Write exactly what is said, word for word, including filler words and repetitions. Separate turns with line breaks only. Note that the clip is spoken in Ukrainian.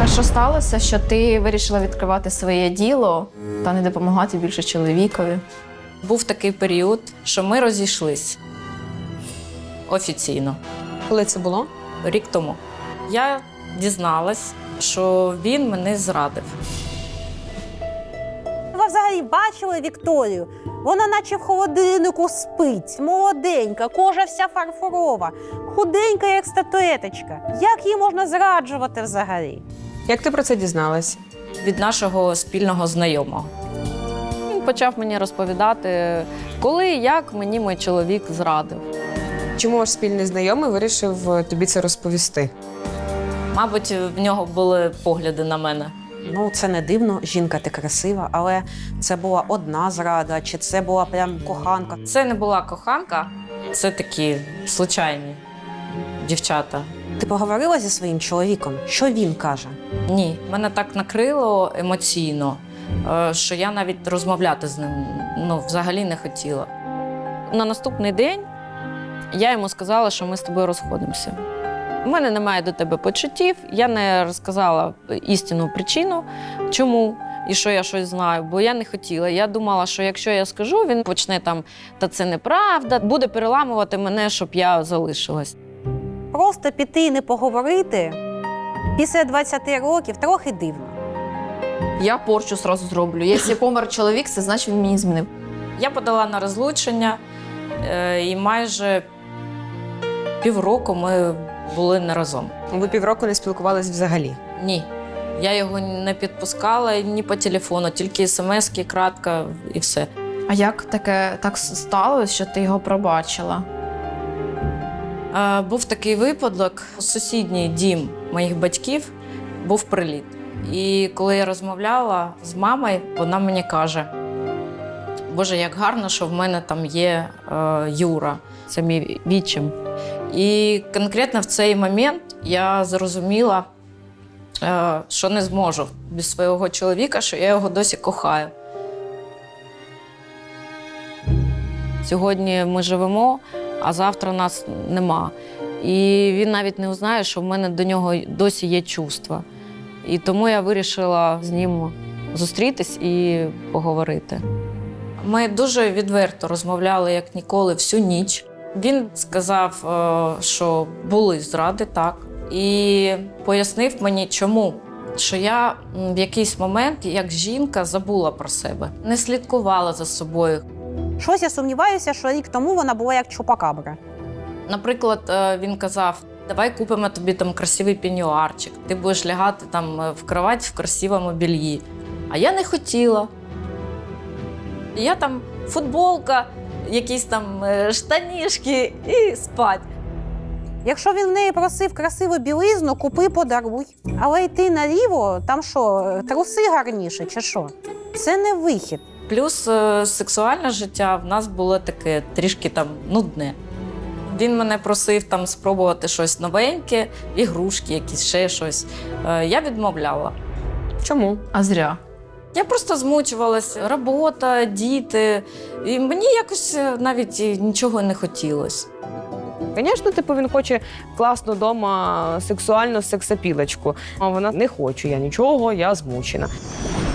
А що сталося, що ти вирішила відкривати своє діло та не допомагати більше чоловікові?
Був такий період, що ми розійшлись офіційно.
Коли це було?
Рік тому. Я дізналась, що він мене зрадив.
Ви взагалі бачили Вікторію? Вона наче в холодильнику спить, молоденька, кожа вся фарфорова, худенька, як статуеточка. Як її можна зраджувати взагалі?
Як ти про це дізналась?
Від нашого спільного знайомого.
Він почав мені розповідати, коли і як мені мій чоловік зрадив.
Чому ваш спільний знайомий вирішив тобі це розповісти?
Мабуть, в нього були погляди на мене.
Ну, це не дивно, жінка ти красива, але це була одна зрада, чи це була прям коханка?
Це не була коханка, це такі случайні дівчата.
Ти поговорила зі своїм чоловіком? Що він каже?
Ні, мене так накрило емоційно, е, що я навіть розмовляти з ним ну, взагалі не хотіла.
На наступний день я йому сказала, що ми з тобою розходимося. У мене немає до тебе почуттів, я не розказала істинну причину, чому і що я щось знаю, бо я не хотіла. Я думала, що якщо я скажу, він почне там, та це неправда, буде переламувати мене, щоб я залишилась.
Просто піти і не поговорити після двадцяти років трохи дивно.
Я порчу зразу зроблю. Якщо помер чоловік, це значить він мені змінив.
Я подала на розлучення, е, і майже півроку ми були не разом.
Ви півроку не спілкувались взагалі?
Ні. Я його не підпускала ні по телефону, тільки смс-ки, кратко і все.
А як таке так сталося, що ти його пробачила?
Е, був такий випадок. У сусідній дім моїх батьків був приліт. І коли я розмовляла з мамою, вона мені каже: Боже, як гарно, що в мене там є е, Юра.
Це мій відчим.
І конкретно в цей момент я зрозуміла, е, що не зможу без свого чоловіка, що я його досі кохаю.
Сьогодні ми живемо, а завтра нас нема. І він навіть не узнає, що в мене до нього досі є чувства. І тому я вирішила з ним зустрітись і поговорити.
Ми дуже відверто розмовляли, як ніколи, всю ніч. Він сказав, е, що були зради, так, і пояснив мені, чому. Що я в якийсь момент, як жінка, забула про себе, не слідкувала за собою.
Щось я сумніваюся, що рік тому вона була як чупакабра.
Наприклад, е, він казав: давай купимо тобі там красивий пеньюарчик, ти будеш лягати там в кровать в красивому бельї. А я не хотіла. Я там футболка, якісь там е, штанішки і спать.
Якщо він в неї просив красиву білизну, купи, подаруй. Але йти наліво, там що, труси гарніше чи що? Це не вихід.
Плюс е, сексуальне життя в нас було таке трішки там нудне. Він мене просив там спробувати щось новеньке, ігрушки якісь, ще щось. Е, я відмовляла.
Чому?
А зря.
Я просто змучувалася. Робота, діти. І мені якось навіть нічого не хотілося.
Звісно, типу, він хоче класну вдома сексуальну сексапілочку. А вона: не хочу я нічого, я змучена.